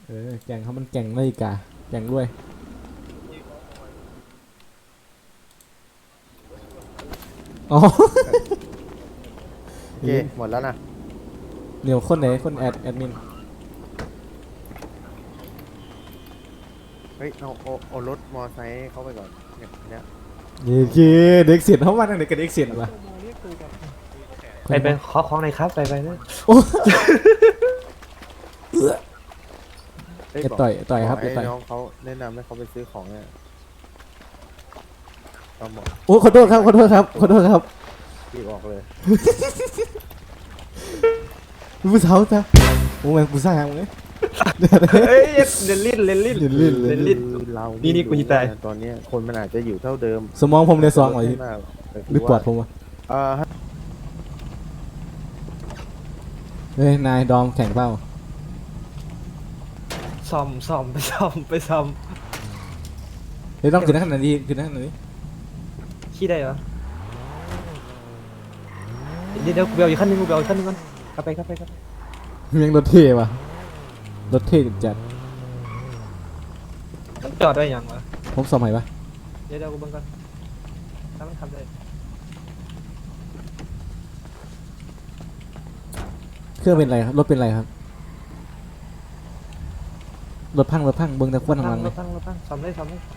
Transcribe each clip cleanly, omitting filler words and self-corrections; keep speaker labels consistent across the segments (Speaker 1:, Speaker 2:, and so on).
Speaker 1: แก่งเขามันแก่งเลยกะแก่งด้วยอ๋อ
Speaker 2: โอเคหมดแล้วนะ
Speaker 1: เดี๋ยวคนไหนคนแอดมิน
Speaker 2: เฮ้ยเอารถมอไซค์เข้าไปก่อนเนี่ย
Speaker 1: เย้เด็กเสียนเขามาทางไหนกันเด็กเสียนวะ
Speaker 3: ไปขอของหน่อยครับไปนะ
Speaker 1: โอ้
Speaker 2: เฮ้ย
Speaker 1: อย่าต่อยครับ
Speaker 2: ไอ้
Speaker 1: อย่าต่อย
Speaker 2: น้องเขาแนะนำให้เขาไปซื้อของเนี่ยก็หมด
Speaker 1: โอ้ขอโทษครับขอโทษครับขอโทษครับ
Speaker 2: รีบออกเลย
Speaker 1: ผู้สาวจ้ะโอ้แม่งผู้สาวมึง
Speaker 3: เอ้ยเลนลิ้นเลนลิ้น
Speaker 1: เลนลิ้น
Speaker 3: เลนลิ้น
Speaker 2: คือเรา
Speaker 3: นี่
Speaker 2: นี่
Speaker 3: กูจะตาย
Speaker 2: ตอนเนี้ยคนมันอาจจะอยู่เท่าเดิม
Speaker 1: สมองผมเลยซองหน่อย
Speaker 2: ไม่มากแต่
Speaker 1: หรือปวดผมวะ
Speaker 2: อ่า
Speaker 1: เฮ้ยนายดอมแข่งเปล่า
Speaker 3: ซ่อมไปซ่อม
Speaker 1: เฮ้ยต้องขึ้นขนาดนี้ขึ้นขนาดนี้
Speaker 3: ขี้ได้เหรอเดี๋ยวกูไปเอาอีกขั้นนึงก่อนกลับไป
Speaker 1: ยังรถเท่ว่ะรถเท่จัด
Speaker 3: ต้องจอดได้ยังวะ
Speaker 1: ผมสมัยปะ
Speaker 3: เดี๋ยวกูเบิ่งก่อนถ้ามันทำได้
Speaker 1: เครื่องเป็นไรครับรถเป็นไรครับรถพังเบิ้งแต่ควนทางหลังเลย
Speaker 3: รถพังซ่อมได้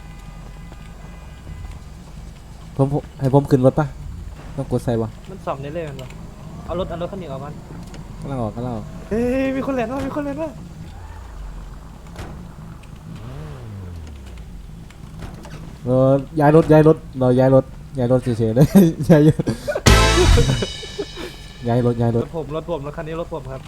Speaker 1: ผมให้ผมขึ้นรถปะต้องกดใส่ปะ
Speaker 3: มันซ่อมได้เลยมันวะเอารถคันนี้ออกมัน
Speaker 1: กำลังออก
Speaker 3: เฮ้ยมีคนแล่นว่ะ
Speaker 1: ย้ายรถเราย้ายรถเฉยๆเลย ย้ายรถ
Speaker 3: รถคันนี้รถผมครับ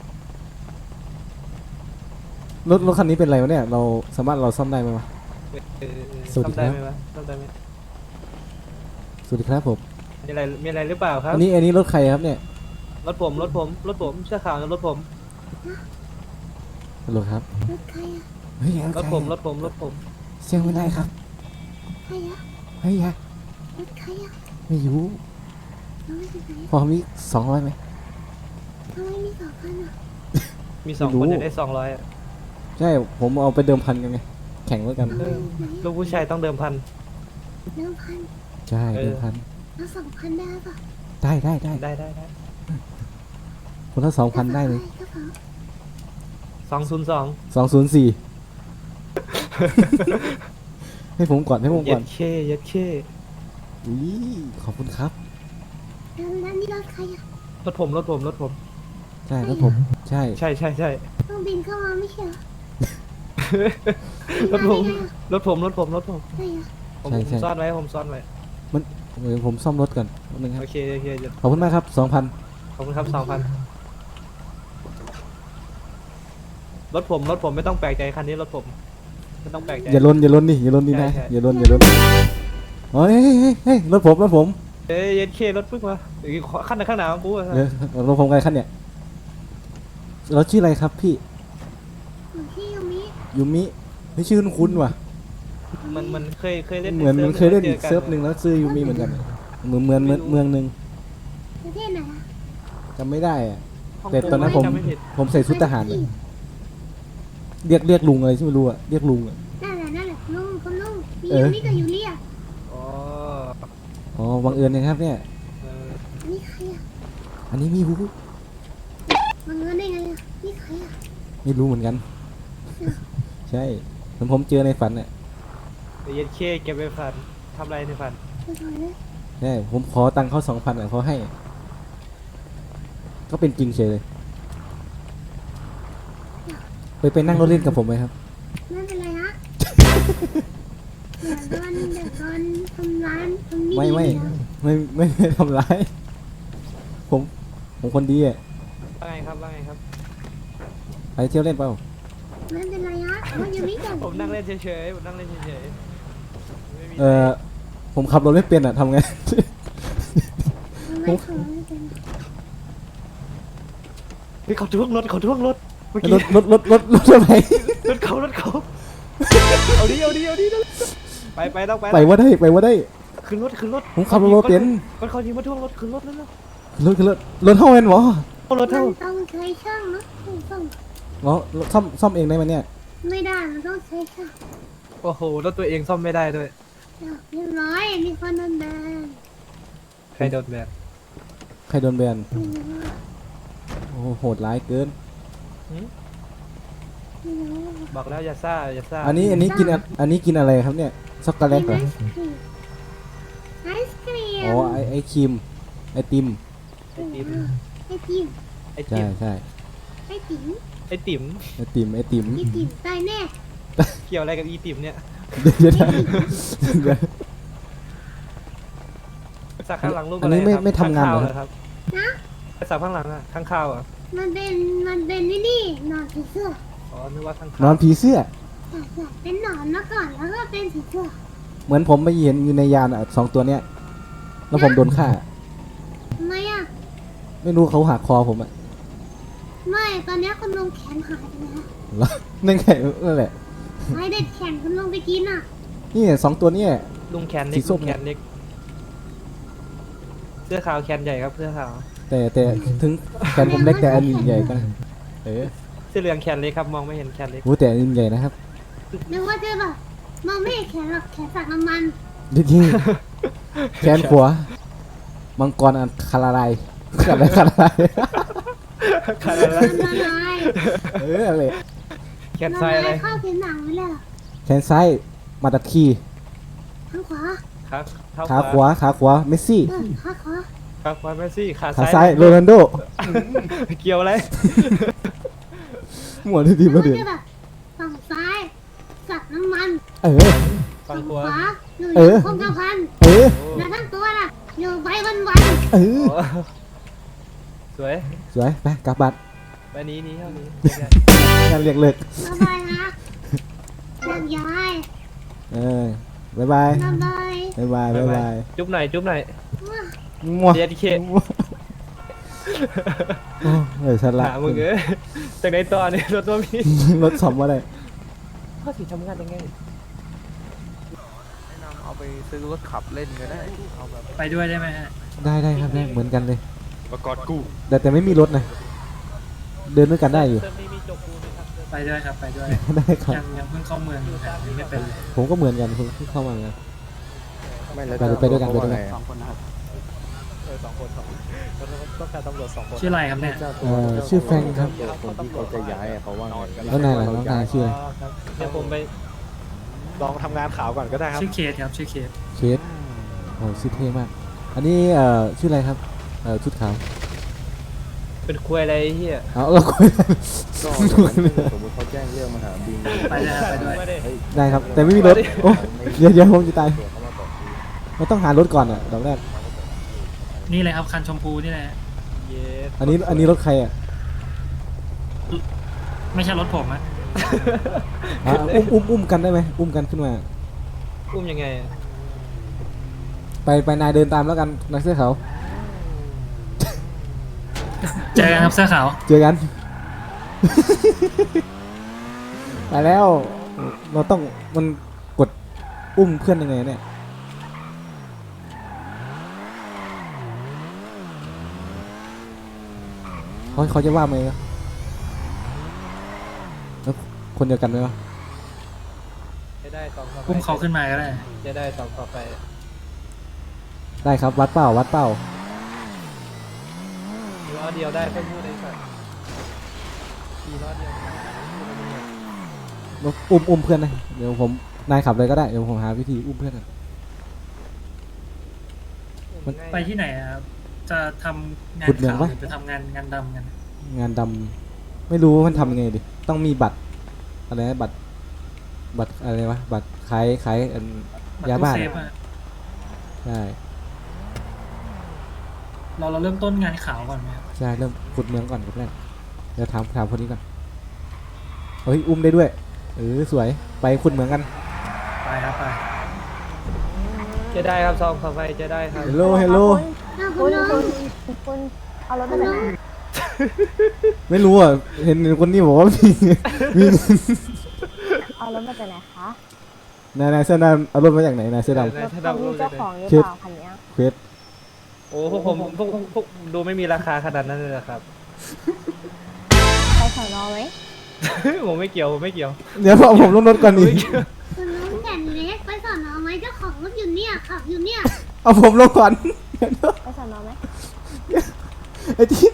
Speaker 1: รถคันนี้เป็นไรวะเนี่ยเราสามารถเราซ่อมได้ไหมวะ สวัสดีครับ
Speaker 3: ซ่อมได้ไหมวะซ่อมได้ไหม
Speaker 1: สวัสดีครับผม
Speaker 3: มีอะไรหรือเปล่าครับ
Speaker 1: อันนี้รถใครครับเนี่ย
Speaker 3: รถผมเสื้อขาวนะรถผม
Speaker 1: ฮัลโหลครับ
Speaker 4: รถใครอะ
Speaker 1: เฮ้ย
Speaker 3: รถผม
Speaker 1: เสียงไม่ได้ครับ
Speaker 4: ใครอะ
Speaker 1: เฮ้ย
Speaker 4: รถใครอะ
Speaker 1: ไม่รู้
Speaker 4: เราไม่เป็นไร
Speaker 1: พอมี200ไหม
Speaker 4: ทำไมมีสองคันอะ
Speaker 3: มีสอง
Speaker 1: ไม่รู้
Speaker 3: คนจะได้200อะ
Speaker 1: ใช่ผมเอาไปเดิมพันกันไงแข่งด้วยกัน
Speaker 4: เอาไปไหน
Speaker 3: ลูกผู้ชายต้องเดิมพัน
Speaker 4: 1,000
Speaker 1: ใช่เดิมพัน
Speaker 4: แล้ว2,000ได้ปะ
Speaker 1: ได้
Speaker 3: ได้
Speaker 1: คนละ2,000ได้เลย
Speaker 4: กระเป๋า
Speaker 3: 202
Speaker 1: 204 ให้ผมก่อน
Speaker 3: เย็ดเค
Speaker 1: อุ้ยขอบคุณครับ
Speaker 4: แล้วนี่รถใครอะ
Speaker 3: รถผม
Speaker 1: ใช่รถผมใช่
Speaker 3: ใช่
Speaker 4: ต้องบินเข้ามาไม่ใช่เหรอ
Speaker 3: รถผม
Speaker 4: ใช่อะ
Speaker 3: ผมซ่อนไว้
Speaker 1: เดี๋ยวผมซ่อมรถก่อนแป๊บนึงครับ
Speaker 3: โอเคเดี๋ยว
Speaker 1: ขอบคุณมากครับ 2,000
Speaker 3: ขอบคุณครับ 2,000รถผมไม่ต้องแปลกใจคันนี้รถผมไม่ต้องแปลกใจ
Speaker 1: อย่าลนดินะ
Speaker 3: ใช่
Speaker 1: อย่าลนเฮ้ยรถผม
Speaker 3: เอ้ยเย็ดเครถปึ๊กมาขั้นข้างหน้าของกูอะ
Speaker 1: เดี๋ยวรถผมไงคันเนี่ยเราชื่ออะไรครับพี่
Speaker 4: อยู่ที่ยูมิ
Speaker 1: ยูมิไม่ชื่อคุ้นๆว่ะ
Speaker 3: มันเคยเล่น
Speaker 1: เหมือนมันเคยเล่นอีก
Speaker 3: จ
Speaker 1: เซิร์ฟหนึ่งแล้วชื่อยูมิเหมือนกันเหมือนเมืองหนึ่ง
Speaker 4: ประเทศไหนอะ
Speaker 1: จำไม่ได้อะ
Speaker 3: ฮ่งกง
Speaker 1: แต่ตอนนั้น
Speaker 3: ไจำไม่ผิด
Speaker 1: ผมใส่ชุดทหารเลยเรียกลุงอะไรที่ไม่รู้อะเรียกลุงอะ
Speaker 4: นั่นแหละลุงคนลุงมี
Speaker 1: เออ
Speaker 4: ยูมิกับยูเรีย
Speaker 3: อ๋อ
Speaker 1: อ๋อบังเอิญนะครับเนี่ย
Speaker 3: เออ
Speaker 4: อันนี้ใครอะ
Speaker 1: อันนี้ไม่รู้
Speaker 4: มาเงินได้ไงอะนี่ใครอะ
Speaker 1: ไม่รู้เหมือนกัน ใช่เหมือนผมเจอในฝันอะ
Speaker 3: เย็ดเคเก็บไว้ฝันทำอะไรในฝัน
Speaker 4: ไปถอยเลย
Speaker 1: ใช่ผมขอตังค์เขา2,000อะเขาให้ ก็เป็นจริงเฉยเลยไปนั่งรถเล่นกับผมไหมครับ
Speaker 4: ไม่เป็นไรฮะเดี๋ยวโดนทำร้านทำ
Speaker 1: ไม่
Speaker 4: ดีนะ
Speaker 1: ไม่ทำร้าย ผมคนดีอะ
Speaker 3: ว่าไงครับ
Speaker 1: ไปเที่ยวเล่นเปล่า
Speaker 4: ไม่เป็นไรฮะเพราะยูมิกับ
Speaker 3: ผมนั่งเล่นเฉยๆไม่มี
Speaker 1: ผมขับรถไม่เป็นอะทำไง
Speaker 4: ไม่ขอไม่เป็น
Speaker 3: เฮ้ยเขาท่วงรถเมื่อกี้
Speaker 1: รถอะไร
Speaker 3: รถเขาเอาดิไปต้องไป
Speaker 1: ไปว่าได้
Speaker 3: ขึ้นรถ
Speaker 1: ผมขับรถเป็น
Speaker 3: ก็เขายิงมาท่วงรถขึ้นรถแล้ว
Speaker 1: รถเท่าเอ็นหรอ
Speaker 3: รถเท่า
Speaker 4: ต้องใช้ช่างเนาะช่าง
Speaker 1: อ๋อซ่อมเองได้ไหมเนี่ย
Speaker 4: ไม่ได้มันต้องใช้ค่ะ
Speaker 3: โอ้โหรถตัวเองซ่อมไม่ได้ด้วย
Speaker 4: เรียบร้อยมีคนโดนแบน
Speaker 3: ใครโดนแบน
Speaker 1: ใครโดนแบน
Speaker 4: ไม่รู้อะ
Speaker 1: โอ้โหโหดร้ายเกิน
Speaker 4: ไม่รู้อะ
Speaker 3: บอกแล้วอย่าซ่าอย่าซ่า
Speaker 1: อันนี้กินอันนี้กินอะไรครับเนี่ยช็อกโกแลตเหรอ
Speaker 4: ไอศครีม
Speaker 1: อ๋อไอครีมไอติม
Speaker 3: ไอติม
Speaker 4: ไอติม
Speaker 3: ไอ
Speaker 1: ใช่
Speaker 3: ติม
Speaker 1: ใช่
Speaker 4: ไอติม
Speaker 3: ไอติม
Speaker 1: ไอติมไอติม
Speaker 4: ไอติมตายแน่
Speaker 3: เกี่ยวอะไรกับอีติมเนี่ย
Speaker 1: เดี๋ยวเดี๋ยว
Speaker 3: สักข้างหลังรูป
Speaker 1: อั
Speaker 3: อะ
Speaker 1: น
Speaker 3: ไร
Speaker 1: นี้
Speaker 3: ครับ
Speaker 1: ไม่ทำงานเหรอ
Speaker 3: ข้ครับ
Speaker 4: นะ
Speaker 3: สักข้างหลังอะข้างข้าวอะ
Speaker 4: มันเป็นนี่หนอนผีเสื้อ
Speaker 3: อ๋อนึกว่าข้าง
Speaker 1: น
Speaker 3: ข้า
Speaker 1: อ
Speaker 3: วน
Speaker 1: ผีเสื้อ
Speaker 4: ใช่เป็นหนอนมาก่อนแล้วก็เป็นผีเสื้อ
Speaker 1: เหมือนผมไปเห็นอยู่ในยานอ่ะ2 ตัวเนี้ยแล้วผมโดนฆ่า
Speaker 4: ทำไมอ่ะ
Speaker 1: ไม่รู้เขาหักคอผมอ่ะ
Speaker 4: ไม่ตอนเนี้ยคุณลุงแขนหายไปแล้ว
Speaker 1: แล้วนั่นไงนั่นแหละ
Speaker 4: ใครเด็ดแขนคุณลุงไปกินอ่ะ
Speaker 1: นี่2 ตัวเนี่ย
Speaker 3: ลุงแขน
Speaker 1: สี
Speaker 3: เล็ก
Speaker 1: ส้
Speaker 3: ลุ
Speaker 1: ม
Speaker 3: งแขนเล็กเสื้อขาวแขนใหญ่ครับเสื้อขาว
Speaker 1: แต่ถึงแขนผมเล็กแต่อันนี้ใหญ่ก็เออ
Speaker 3: เสื้อเหลืองแขนเล็กครับมองไม่เห็นแขนเล็ก
Speaker 1: โอ้แต่อันนี้ใหญ่นะครับ
Speaker 4: นึกว่าจะแบบมองไม่เห็นแขนหรอกแขนสักน้ำมัน
Speaker 1: จริงๆแขนขวามังกรอันคาราไลอะไรคาราไล
Speaker 3: ขาดอะไร
Speaker 4: มันละลาย
Speaker 1: เอออะไร
Speaker 3: แขนซ้ายอะไร
Speaker 4: เข้าผิวหนังไว้เลยเหรอ
Speaker 1: แขนซ้ายมาดัดคี
Speaker 4: ข้างขวา
Speaker 3: ครับเท้า
Speaker 1: ขาขวาเมสซี่
Speaker 4: ข้างขวา
Speaker 3: ครับควาเมสซี่ขา
Speaker 1: ขา
Speaker 3: ซ้า
Speaker 1: ซ้าย
Speaker 3: ย
Speaker 1: โรนัลโด
Speaker 3: เกี่ยวอะไร
Speaker 1: หมดที่ดี
Speaker 4: นึก
Speaker 1: มา
Speaker 4: ว่า
Speaker 1: เดือด
Speaker 4: จะแบบฝั่งซ้ายสักน้ำมัน
Speaker 1: เออ
Speaker 3: ฝั่
Speaker 4: ฝั่
Speaker 3: ง
Speaker 4: ง
Speaker 3: ข
Speaker 4: ข
Speaker 3: วาว
Speaker 4: าหนูอ
Speaker 1: เอยู่ อ
Speaker 4: คงกระพัน
Speaker 1: เออ
Speaker 4: แล้วทั้งตัวน่ะอยู่ไปวัน
Speaker 1: เออ
Speaker 3: โอ้สวย
Speaker 1: สวยไปกลับบัตร
Speaker 3: ไปนี้เท่านี้
Speaker 1: งานเรียกเลิก
Speaker 4: ๆบ๊ายบายนะแยกย้าย
Speaker 1: เออบ๊ายบาย
Speaker 4: บ๊ายบาย
Speaker 1: บ๊ายบายบ๊ายบาย
Speaker 3: จุ๊บหน่อยจุ๊บหน่อย
Speaker 1: มั่ว
Speaker 3: เดียดเค
Speaker 1: โอ้เออฉันละ
Speaker 3: หามึงเอ้ยจากไหนต่อเนี่ยรถตัวมี
Speaker 1: รถสอมว่าอะไร
Speaker 3: ข้อสีทำงานยังไง
Speaker 2: แนะนำเอาไปซื้อรถขับเล่นก็ได้เอาแบบ
Speaker 5: ไปด้วยได้ไหมฮะ
Speaker 1: ได้ครับได้เหมือนกันเลย
Speaker 2: ประกอบกู้
Speaker 1: แต่ไม่มีรถนะเดินด้วยกันได้อยู่
Speaker 3: เติมนี้มีจบปูไหมครับ
Speaker 5: ไปด้วยครับ ไปด้วย
Speaker 1: ได้ครับ
Speaker 5: ยังเพิ่งเข้าเมืองอยู่ครับยังไม่เป็นเลย
Speaker 1: ผมก็เหมือนกันผมเพิ่งเข้ามาเหมือนกัน
Speaker 2: ไม่แล้ว
Speaker 1: ไปด้วยกันไปด้วยกัน
Speaker 2: สองคนนะครับ
Speaker 3: สองคนต้องการตำรวจ2 คน
Speaker 5: ชื่ออะไรครับเนี่ย
Speaker 1: ชื่อแฟรงค์ครับ
Speaker 2: คนที่เขาจะย้ายอะเขาว่าไง
Speaker 1: แล้วนายล่ะน้องนายชื่ออะไร
Speaker 3: ครับเดี๋ยวผมไปลองทำงานข่าวก่อนก็ได้ครับ
Speaker 5: ชื่อเคสครับชื่อเคส
Speaker 1: เคสโอ้ชื่อเท่มาก อันนี้ชื่ออะไรครับชุดขาว
Speaker 3: เป็นคุยอะไรเฮีย
Speaker 1: เอาเราคุยกัน
Speaker 2: ก็สมมติเขาแจ้งเรื่องมาหาบิน
Speaker 5: ไปเลยครับไปด้วย
Speaker 1: ได้ครับ แต่ไม่มีรถโอ้เดี๋ยวผมจะตายเราต้องหารถก่อนอ่ะดอกแรก
Speaker 5: นี่เลยครับคันชมพูนี่แหละ
Speaker 3: เย้
Speaker 1: อันนี้รถใครอ่ะ
Speaker 5: ไม่ใช่รถผมอะ
Speaker 1: อุ้มกันได้ไหมอุ้มกันขึ้นมา
Speaker 3: อุ้มยังไง
Speaker 1: ไปนายเดินตามแล้วกันนายเสื้อขาว
Speaker 5: เจอกันครับเสื้อขาว
Speaker 1: เจอกัน ไปแล้วเราต้องมันกดอุ้มเพื่อนยังไงเนี่ยเขาจะว่าไหมวะแล้วคนเดียวกันไหมวะ
Speaker 3: จะได้2ต่อไป
Speaker 5: อุ้มเขาขึ้นมาก็ได้
Speaker 3: จะได้2ต่อไป
Speaker 1: ได้ครับวัดเป้าวัดเป้า
Speaker 3: ล้อเดียวได้เพิ่มพูดในสัตว์ขี่ล้อเดียว
Speaker 1: อุ้มเพื่อนนะเดี๋ยวผมนายขับเลยก็ได้เดี๋ยวผมหาวิธีอุ้มเพื่อนกัน
Speaker 5: ไปที่ไหนอะครับจะทำงาน
Speaker 1: ขุดเหมือง
Speaker 5: ขาว
Speaker 1: ปะ
Speaker 5: หรือจะทำงานดำกัน
Speaker 1: งานดำไม่รู้ว่ามันทำยังไงดิต้องมีบัตรอะไรนะบัตรอะไรวะบัตรขายอัน
Speaker 5: บัต
Speaker 1: ยาร
Speaker 5: ตู้
Speaker 1: บ้า
Speaker 5: เซ
Speaker 1: น
Speaker 5: ฟอะ
Speaker 1: ใช่
Speaker 5: เราเริ่มต้นงานขาวก่อนไหมครับ
Speaker 1: ใช่เริ่มขุดเมืองก่อนครับแรกเดี๋ยวถามคนนี้ก่อนเฮ้ยอุ้มได้ด้วยสวยไปขุดเมืองกัน
Speaker 5: ไปครับไป
Speaker 3: จะได้ครับ2ต่อไปจะได้ครับ
Speaker 1: เฮลโลเฮลโล
Speaker 4: อ้าว
Speaker 6: คุ
Speaker 4: คุณ
Speaker 6: ณ
Speaker 4: ลุง
Speaker 6: คุณเอารถ
Speaker 4: คุ
Speaker 6: มา
Speaker 4: ณ
Speaker 6: จาก
Speaker 4: ลุ
Speaker 6: ไหน
Speaker 4: ง
Speaker 1: ไม่รู้อ่ะเห็นคนนี้บอกว่ามี
Speaker 6: เอารถมาจากไหนคะ
Speaker 1: นายเสื้อดำเอารถมาจากไหนนายเสื้อด
Speaker 6: รถเขามีเจ้าของหรือ
Speaker 1: เช็ด
Speaker 6: เปล่าคันเนี้ย
Speaker 1: ำเควส
Speaker 3: โอ้พวกผมดูไม่มีราคาขนาดนั้นเลยเหรอครับ
Speaker 6: ไปสอนอไหม
Speaker 3: ผมไม่เกี่ยวผมไม่เกี่ยว
Speaker 1: เดี๋ยวเอาผมลงรถก่อนดิ
Speaker 4: คุณลุงแก่นเล็กไปสอนอไหมเจ้าของรถอยู่เนี่ยขับอยู่เนี่ย
Speaker 1: เอาผมลงก่อน
Speaker 6: ไปสอนอไหม
Speaker 1: ไอ้ที่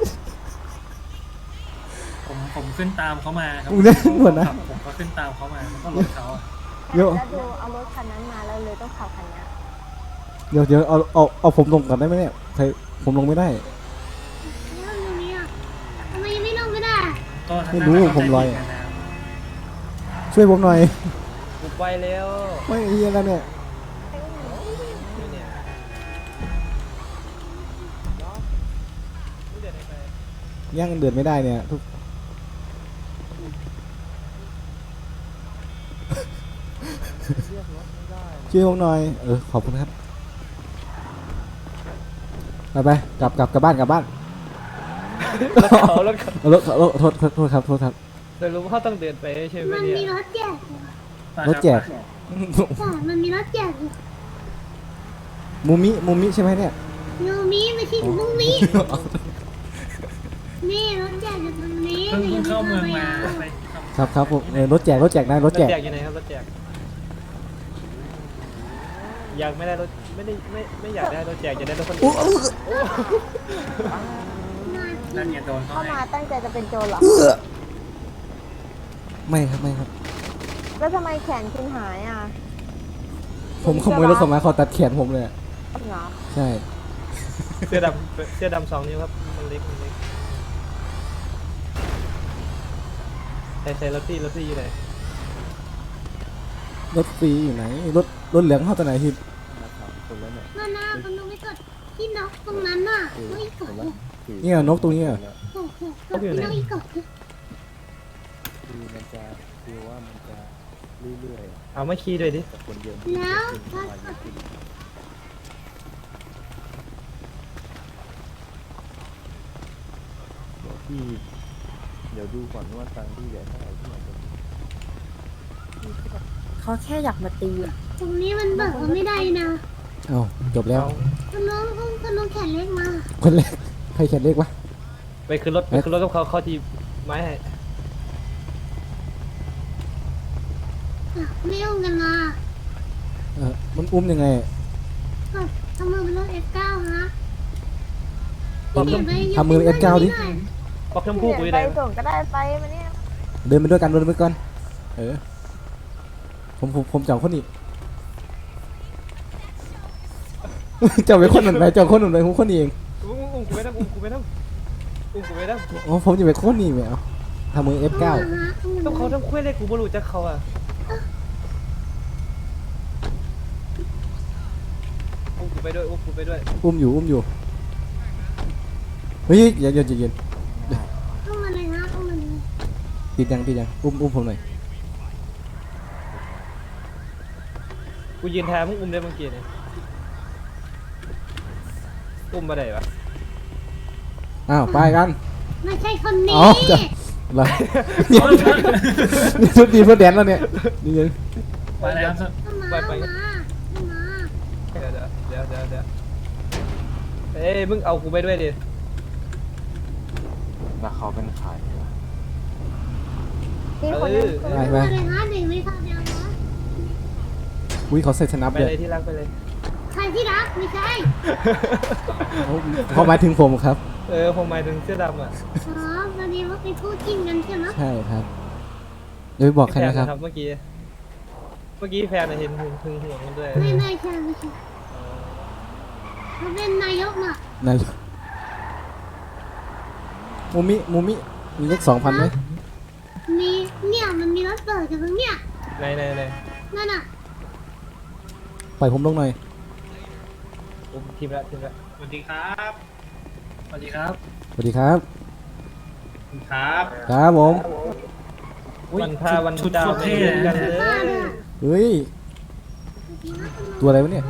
Speaker 5: ผมขึ้นตามเขามาครับ
Speaker 1: มึงเล่นหมดนะ
Speaker 5: ผมก็ขึ้นตามเขามาแล้วก็รถเขาอะ
Speaker 1: เดี๋ยว
Speaker 6: แล้วดูเอารถคันนั้นมาแล้วเลยต้องขับคันเนี้ย
Speaker 1: เดี๋ยวเอาผมลงก่อนได้ไหมเนี่ยใครผมลงไม่ได้
Speaker 4: แล้วอยู่เนี่ยทำไมยังไม่ลงไม่ได้
Speaker 5: โทษนะ
Speaker 1: ไม่รู้
Speaker 5: เข้าใจ
Speaker 1: ผมลอย
Speaker 5: ผิดกันนะครับ
Speaker 1: ช่วยผมหน่อย
Speaker 3: กูไปแล้ว
Speaker 1: ไม่เฮียแล้วเนี่ยย่างเดือดไม่ได้เนี่ยทุกช่วยผมหน่อยขอบคุณครับไปกลับบ้าน
Speaker 3: รถเขารถเขา
Speaker 1: เอารถโทษครับ
Speaker 3: แต่รู้ว่าเขาต้องเดินไปใช่ไหม
Speaker 4: มัน
Speaker 3: เนี่ย
Speaker 4: มีรถแจก
Speaker 1: รถแจก
Speaker 4: แต่มันมีรถแจกอยู่
Speaker 1: มูมิใช่ไหมเนี่ย
Speaker 4: ยูมิไม่ใช่มุ้งมินี่รถแจกอยู่ตรงนี้
Speaker 5: เพิ่งเข้าเมืองมาไป
Speaker 1: ครับผมรถแจกนะรถ
Speaker 3: รถ
Speaker 1: แจ
Speaker 3: แจ
Speaker 1: ก
Speaker 3: กอยู่ไหนครับรถแจกอยากไม่ได้รถไม่อยากได้รถแจกจะได้รถคนอื่น
Speaker 5: นั่นเนี่ยโดนเขา
Speaker 6: เข้า
Speaker 5: ให้
Speaker 6: มาตั้งใจจะเป็นโจรเหรอ
Speaker 1: ไม่ครับ
Speaker 6: แล้วทำไมแขนคุณหายอ่ะ
Speaker 1: ผมขโมยรถเขามาเขาตัดแขนผมเลยอะ
Speaker 6: เหรอ
Speaker 1: ใช่
Speaker 3: เสื้อดำ2 นิ้วครับมันเล็กใส่รถที่อยู่ไหน
Speaker 1: รถฟรีอยู่ไหนรถเหลืองเข้าตัวไหนที่
Speaker 4: มาหน้าคุณลุงไม่กดที่นกตรงนั้นน่ะนกอีกกดเลย
Speaker 1: เนี่ยนกตัวนี้อะ
Speaker 4: โอ้โหกดที่นกอีกกดเลย
Speaker 2: คือมันจะคือว่ามันจะเรื่อย
Speaker 3: เอามาขี่ด้วยดิ
Speaker 2: ๆกับคนเดียว
Speaker 4: แล้วถ้ากด
Speaker 2: ที่เดี๋ยวดูก่อนว่าตังค์ที่เหลือเท่าไหร่ที่มันจะ
Speaker 6: เขาแค่อยากมาตีอ่ะ
Speaker 4: ตรงนี้มันเบิกไม่ได้นะ
Speaker 1: เอ้าจบแล้ว
Speaker 3: เอา
Speaker 4: คุณลุงแขนเล็กมา
Speaker 1: คนแรกใครแขนเล็กวะ
Speaker 3: ไปขึ้นรถกับเขาที่ไม้ให้
Speaker 4: ไม่ยุ่งกันมา
Speaker 1: มันอุ้มยังไง
Speaker 4: กดทำมือเป็นรถ F9 ฮะ
Speaker 3: ป๊อป
Speaker 1: ทำมือ F9 ดิ
Speaker 3: ป๊อปชมพู่กูอยู่
Speaker 6: ไป
Speaker 3: ไหน
Speaker 6: ส่งก็ได้ไปมาเนี่ย
Speaker 1: เดินไปด้วยกันผมเจ้าคนนี้ เจ้าไปคนหนึ่งไปเจ้าคนหนึ่งไปผมคนนี้เอง
Speaker 3: อุ้มกูไม่ได้อุ้มกูไม่ได้
Speaker 1: อ๋อผมจะไปคนนี้ไปเอาทำมือ F9
Speaker 3: ต้องเขาต้องคุยเลยกูไม่รู้จักเขาอ่ะอุ้มกูไปด้วย
Speaker 1: อุ้มอยู่เฮ้ยอย่าเย็น
Speaker 4: เข้ามาเลยฮะเข้ามาเลย
Speaker 1: ติดยังอุ้มผมหน่อย
Speaker 3: กูยืนแทนมึงอุ้มได้เมื่อกี้เนี่ยอุ้มมาได้ปะ
Speaker 1: อ้าวไปกัน
Speaker 4: ไม่ใช่คนนี้
Speaker 1: อ๋อจ้ะ อะไรนี่ชุดดีเพื่อแดนแล้วเนี่ยนี่เลย
Speaker 5: ไปแล้วครับ
Speaker 4: เข้ามาเข้ามาเข้ามา
Speaker 3: เดี๋ยวเอ้ยมึงเอากูไปด้วยดิ
Speaker 2: แล้วเขาเป็นใคร
Speaker 6: ที่คนนั้น
Speaker 1: ไป
Speaker 4: เข้ามาเลยฮะเด็กไม่ทำเดียวนะ
Speaker 1: อุ้ยเขาใส่สนับ
Speaker 3: ไป
Speaker 1: เลย
Speaker 3: เลยที่รักไปเลย
Speaker 4: ใครที่รักไม่ใช่
Speaker 1: เขาหมายถึงผมครับ
Speaker 3: ผมหมายถึงเสื้อดำอ่ะ
Speaker 4: อ๋อตอนนี้ว่าเป็นคู่จิ้นกันใช่ไหม
Speaker 1: ใช่ครับเดี๋ยวไปบอกใครนะครับ
Speaker 3: เมื่อกี้แฟนเห็นหึงห่วงกันด้วย
Speaker 4: ไม่ใช่เขาเป็นนายกน่ะ
Speaker 1: นายมูมิมีเลข2,000ไหม
Speaker 4: มีเนี่ยมันมีรถเปิดอยู่ตรงเนี้ย
Speaker 3: ไหน
Speaker 4: นั่นน่ะ
Speaker 1: ปล่อยผมลงหน่อย
Speaker 3: อุ้มทีมละ
Speaker 5: สวัสดีครับสวัสดีครับ
Speaker 1: สวัสดีครับ
Speaker 5: ครับ
Speaker 1: ครับผม
Speaker 3: วันพาวัน
Speaker 5: ชุด
Speaker 3: ดาว
Speaker 5: โคตรเท่เลย
Speaker 3: กัน
Speaker 5: นะ
Speaker 3: เล
Speaker 4: ป้าย ด้วย
Speaker 1: เฮ้ย ตัวอะไรวะเนี่ย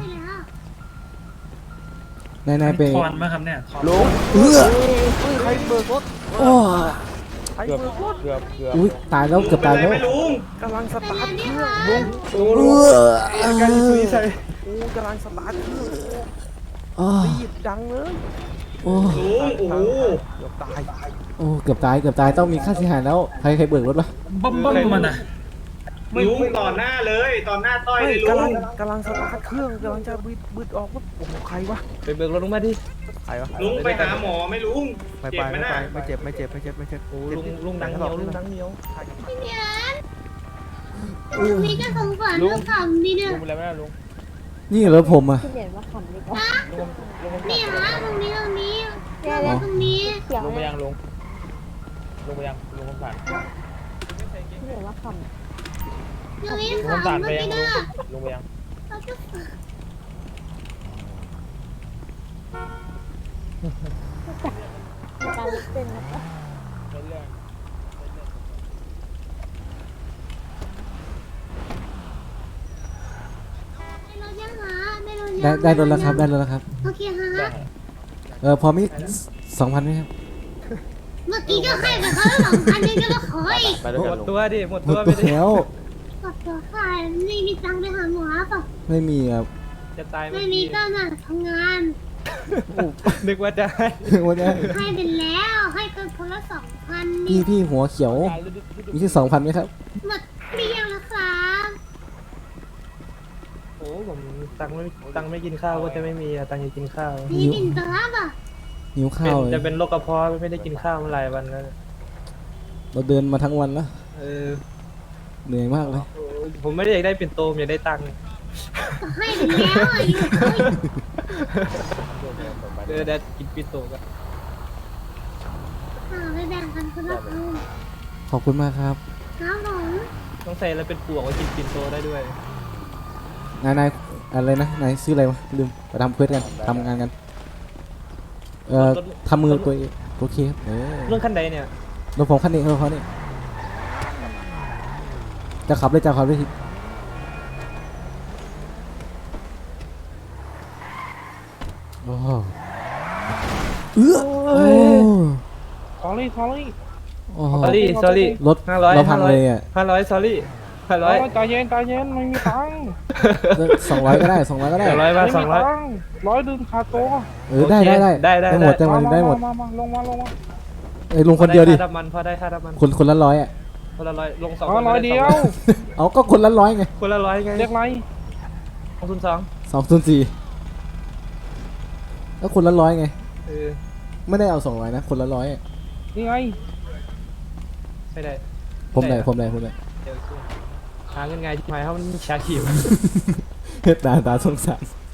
Speaker 4: ใช่แล้ว
Speaker 1: นายไป
Speaker 5: ทอนมาครับเนี่ยทอน
Speaker 2: ลุง
Speaker 1: ใครเบิกรถโอ้
Speaker 2: เกือบ
Speaker 1: อุ้ยตายแล้วเกือบตายแล้ว
Speaker 2: กำลังส
Speaker 4: เป็น
Speaker 2: ตา
Speaker 4: อะ
Speaker 2: ร์
Speaker 4: ไร
Speaker 2: ท
Speaker 4: เนี่ยคะ
Speaker 2: ลุง
Speaker 1: การที่สุดใส่
Speaker 2: กำลังสตาร์ทเครื่อง
Speaker 1: อ๋อ
Speaker 2: รีบดังเลย
Speaker 1: โอ้
Speaker 3: โอ้โห
Speaker 2: เกือบตาย
Speaker 1: โอ้เกือบตายเกือบตายต้องมีค่าเสียหายแล้วใครเบิกรถวะ
Speaker 5: บ้มมันอ่ะ
Speaker 3: ลุงต่อหน้าเลยต่อหน้าต้อย
Speaker 2: เฮ้
Speaker 3: เลย ยลุง
Speaker 2: กำลังสตาร์ทเครื่องกำลังจะบึดออกว่าโอ้โหใครวะ
Speaker 3: ไปเบิกรถลุงมาดิ
Speaker 2: ใครวะ
Speaker 3: ลุงไปหาหมอไหม่ลุง
Speaker 2: ไม่
Speaker 3: เจ็
Speaker 2: ไป
Speaker 3: บไหม
Speaker 2: ไม่
Speaker 3: น่ะ
Speaker 2: ไปไม่เจ็บไม่เจ็บไม่เจ็บไม่เจ็บ
Speaker 3: โอ้ลุงดังเหนียวลุงดังเหนียว
Speaker 4: พี่เนียนมีก็สงสารก็ขำดีเนี่ย
Speaker 3: ลุงเป็นไรไหมลุง
Speaker 1: นี่รถผมอ่ะ
Speaker 6: พี่เหรียญว่าขำดีกว่า
Speaker 4: นี่ฮะตรงนี้ตรงนี้
Speaker 6: เนี่ย
Speaker 4: ตรงนี้
Speaker 6: เสียง
Speaker 3: ลุงไป
Speaker 6: เลย
Speaker 3: ยังลุงลุงไปยังลุงคำผ่าน
Speaker 6: พี่เหรียญว่าขำ
Speaker 4: ตรงนี้ขำก็ไม่ได้
Speaker 3: ลุงไปยัง
Speaker 4: เราจะ
Speaker 6: การลุกเต้นนะคะ
Speaker 4: ได้รถยังฮะได้รถยัง
Speaker 1: ได้รถแล้วครับได้รถแล้วครับ
Speaker 4: โอเคฮะ
Speaker 1: พอมี2,000ไหมครับ
Speaker 4: เมื่อกี้ก็ให้ไปเขาแล้ว2,000นึงก็ขออีก
Speaker 3: หมดตัวดิหมด
Speaker 1: หม
Speaker 3: ตั
Speaker 1: ด
Speaker 3: ว
Speaker 1: ไป
Speaker 3: ไปดิ
Speaker 1: แล้ว
Speaker 4: กดตัวค่ะไม่มีตังค์ไปหาหมอเปล่ะ
Speaker 1: ไม่มีครับ
Speaker 3: จะตาย
Speaker 4: ไม่มีก็น่ะทำงาน
Speaker 3: นึกว่าได้
Speaker 1: วันนี้
Speaker 4: ให้ไปแล้วให้กันคนละ2,000นี่
Speaker 1: พี่หัวเขียวมีที่2,000ไหมครับ
Speaker 4: หมดเกลี้ยงแล้วครับ
Speaker 3: โอ้ผมตังค์ไม่กินข้าวก็จะไม่มีอะตังค์จะกินข้าว
Speaker 4: มีบินตัวป่ะ
Speaker 1: หิวข้าวเลย
Speaker 3: จะเป็นโรคกระเพาะไม่ได้กินข้าวมาหลายวันแล้ว
Speaker 1: เราเดินมาทั้งวันแล้ว
Speaker 3: เออ
Speaker 1: เหนื่อยมากเลย
Speaker 3: ผมไม่ได้อยากได้เป็นโตมอยากได้ตังค์
Speaker 4: ให้ไปแล้วอ่ะอยู่เฮ้ย
Speaker 3: เดี๋ยวกินปิโตกัน
Speaker 4: ไปแบ่งกันคนละครึ่ง
Speaker 1: ขอบคุณมากครับ
Speaker 4: ครับผม
Speaker 3: ต้องใส่แล้วเป็นปวกไว้กินปินโตได้ด้วย
Speaker 1: นายอะไรนะนายชื่ออะไรวะลืมไปทำเควสกันทำงานกันทำมือตัวเองโอเคครับ
Speaker 3: เรื่องขั้นใดเนี่ย
Speaker 1: รถผมคันนี้รถเขานี่จะขับเลยจะขับเลยทีโอ้เอื้อโอ้
Speaker 7: sorry sorry
Speaker 1: โอ้โห
Speaker 3: sorry
Speaker 1: รถ
Speaker 3: 500
Speaker 1: เราพังเลยอ่ะ
Speaker 3: 500 sorry 500
Speaker 7: ใจเย็นใจเย็นไม่มีตังค์
Speaker 1: 200ก็ได้200ก็ได้
Speaker 3: 200
Speaker 7: ไม่
Speaker 3: บาท
Speaker 7: มีตังค์100ดื่มขาดตัว
Speaker 1: ได้หมดได้หมดได้หมด
Speaker 7: มาลงมา
Speaker 1: ลงคนเดียวดิ
Speaker 3: ค่าน้ำมันพอได้ค่าน้ำมัน
Speaker 1: คนละ100อ่ะ
Speaker 3: คนละ100ลง2
Speaker 7: อ๋อ100เดียว
Speaker 1: เอาก็คนละ100ไง
Speaker 3: คนละ100ไง
Speaker 7: เรียกไร
Speaker 3: 202
Speaker 1: 204แล้วคนละ100ไง
Speaker 3: เออ
Speaker 1: ไม่ได้เอา200นะคนละ100อ่ะ
Speaker 7: นี่ไง
Speaker 3: ไม่ได้
Speaker 1: ผมได้
Speaker 3: เดี๋ยวหาเงินไงที่หมายเขามันชาคิว
Speaker 1: ตาสงสาร